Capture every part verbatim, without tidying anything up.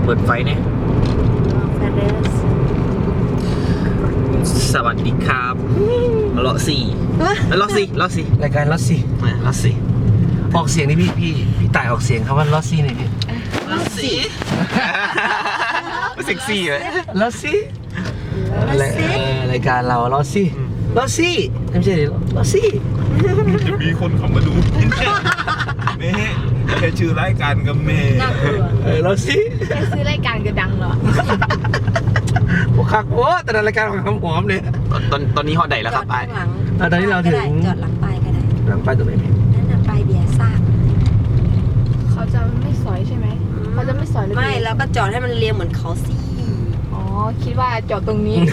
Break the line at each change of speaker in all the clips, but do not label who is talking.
เปิดไฟเนี่ยสวัสดีครับเลาะสี่เลาะสี่เลาะสี่รายการเลาะสี่เลาะสี่ออกเสียงนี่พี่พี่พี่ต่ายออกเสียงคำว่าเลาะสี่หน่อยพี่เลาะสี่เซ็กซี่ไหมเลาะสี่รายการเราเลาะสี่เลาะสี่ไม่ใช่เลาะสี่
จะมีคนเขามาดูแม่แค่ชื่อรายการกับแม่
เออเลาะสี่
แค่ซื้อรายการก็ดังเหรอ
โอ้คักโอ้แต่รายการของคำหอมเนี่ยตอนตอนนี้ฮอตใดแล้วครับไปตอนนี้เราถึง
จอดหลังป้ายก็ได้
หลังป้ายตรงไหนพี่
นั่นน่ะป้ายเบียร์ซ่า
เขาจะไม่สอยใช่ไหมเขาจะไม่สอยเลย
ไม่แล้วก็จอดให้มันเรียงเหมือนเขาสิ
อ๋อคิดว่าจอดตรงนี้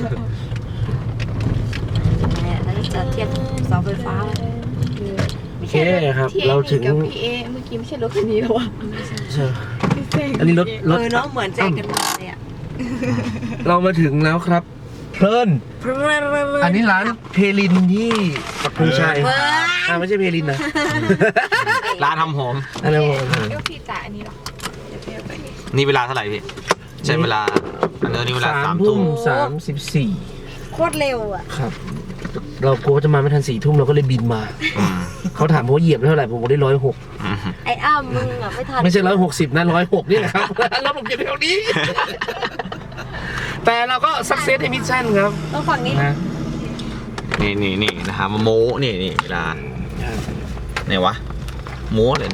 แล้วจะเทียบเสาไฟฟ้า
โอเคครับเราถึง
กับพี่เอเมื่อกี้ไม่ใช่รถคันนี้หรอวะ
ใช่อันนี้รถรถ
เออเนาะเหมือนใจกันมาเลยอ่ะ
เรามาถึงแล้วครับเพลินอันนี้ร้านเพลินที่ปักธงชัยอ่าไม่ใช่เพลินนะร้านทำหอมอะไรหอม
ก็พี่จ่ายอันนี้หรอ
นี่เวลาเท่าไหร่พี่ใช้เวลาอันนี้เวลาสามทุ่มสามสิบสี่
โคตรเร็วอ่ะ
ครับเรากลัวจะมาไม่ทันสี่ทุ่มเราก็เลยบินมาเขาถามว่าเหยียบเท่าไหร่ผมบอกได้ร้อยหก
ไอ้อ้ามึงอ่ะไม่ทัน
ไม่ใช่ร้อยหกสิบนะร้อยหกนี่แหละครับแล้วผมเหยียบเท่านี้แต่เราก็สักเซสในมิชชั่นครับ
ต้องฝั่งนี้
นะนี่นี่นี่นะครับโม้นี่นี่เวลาไหนวะโม้เลย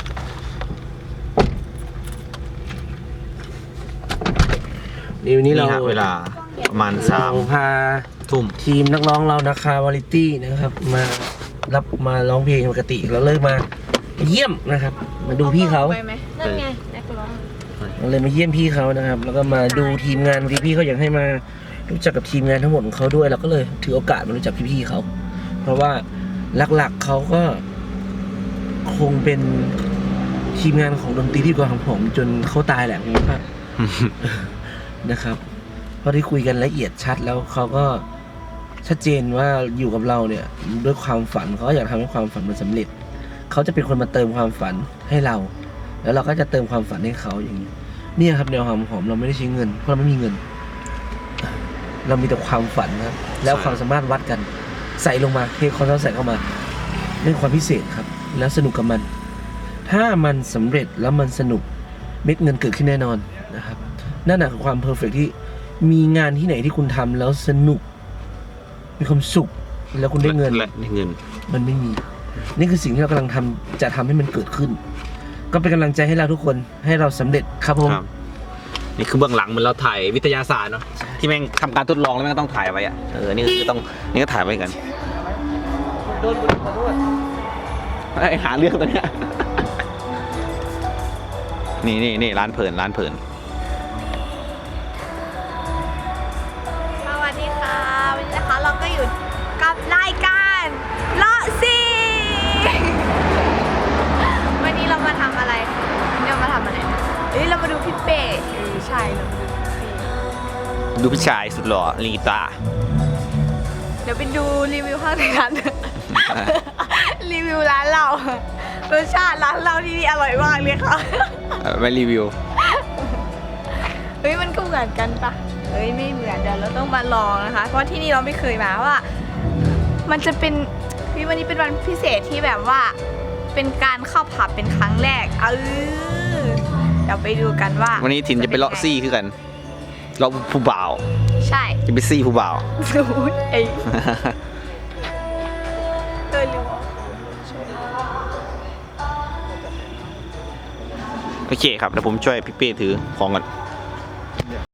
นี่วันนี้เราเวลาประมาณสามพาทุ่มทีมนักร้องเรานะคะวาไรตี้นะครับมารับมาร้องเพลงปกติเราเลิกมาเยี่ยมนะครับมาดูพี่เขา
นั่นไงนักร้อง
เราเลยมาเยี่ยมพี่เขานะครับแล้วก็มาดูทีมงานที่พี่เขาอยากให้มารู้จักกับทีมงานทั้งหมดของเขาด้วยเราก็เลยถือโอกาสมารู้จักพี่ๆเขาเพราะว่าหลักๆเขาก็คงเป็นทีมงานของดนตรีที่กองของผมจนเขาตายแหละผมว่านะครับเพราะที่คุยกันละเอียดชัดแล้วเขาก็ชัดเจนว่าอยู่กับเราเนี่ยด้วยความฝันเขาอยากทำให้ความฝันมันสำเร็จเขาจะเป็นคนมาเติมความฝันให้เราแล้วเราก็จะเติมความฝันให้เขาอย่างนี้เนี่ยครับแนวความหอมเราไม่ได้ใช้เงินเพราะเราไม่มีเงินเรามีแต่ความฝันครับแล้วความสามารถวัดกันใส่ลงมาเทความใส่เข้ามาเป็นความพิเศษครับแล้วสนุกกับมันถ้ามันสำเร็จแล้วมันสนุกเม็ดเงินเกิดขึ้นแน่นอนนะครับนั่นแหละคือความเพอร์เฟกต์ที่มีงานที่ไหนที่คุณทำแล้วสนุกมีความสุขแล้วคุณได้เงินและได้เงินมันไม่มีนี่คือสิ่งที่เรากำลังทำจะทำให้มันเกิดขึ้นก็เป็นกำลังใจให้เราทุกคนให้เราสำเร็จครับผมนี่คือเบื้องหลังเหมือนเราถ่ายวิทยาศาสตร์เนาะที่แม่งทำการทดลองแล้วแม่งต้องถ่ายไว้อะเออนี่คือต้องนี่ก็ถ่ายไว้กันโดนบุญขอโทษไอ้หาเรื่องตัวเนี้ยนี่นี่นี่ร้านเพลินร้านเพลิน
สวัสดีค่ะวันนี้นะคะเราก็อยู่กับรายการเลาะซี่วันนี้เรามาทำอะไรเรามาทำอะไรนะเฮ้ยเรามาดูพี่เป้เออใช่เรามาดูพี่เป้
ดูพี่ชายสุดหล่อลีตา
เดี๋ยวไปดูรีวิวข้างในร้านรีวิวร้านเรารสชาติร้านเราที่นี่อร่อยมากเลยค่ะ
ไม่รีวิว
เฮ้ยมันก็เหมือนกันปะเฮ้ยไม่เหมือนเดี๋ยวเราต้องมาลองนะคะเพราะที่นี่เราไม่เคยมาว่ามันจะเป็นวันนี้เป็นวันพิเศษที่แบบว่าเป็นการเข้าผับเป็นครั้งแรกเออเดี๋ยวไปดูกันว่า
วันนี้ถิ่นจะไปเลาะซี่คือกันเราผู้บ่าว
ใช่
จะไปซี่ผู้บ่าว
สูดไอ้เออลืม
โอเคครับเดี๋ยวผมช่วยพี่เป้ถือของก่อน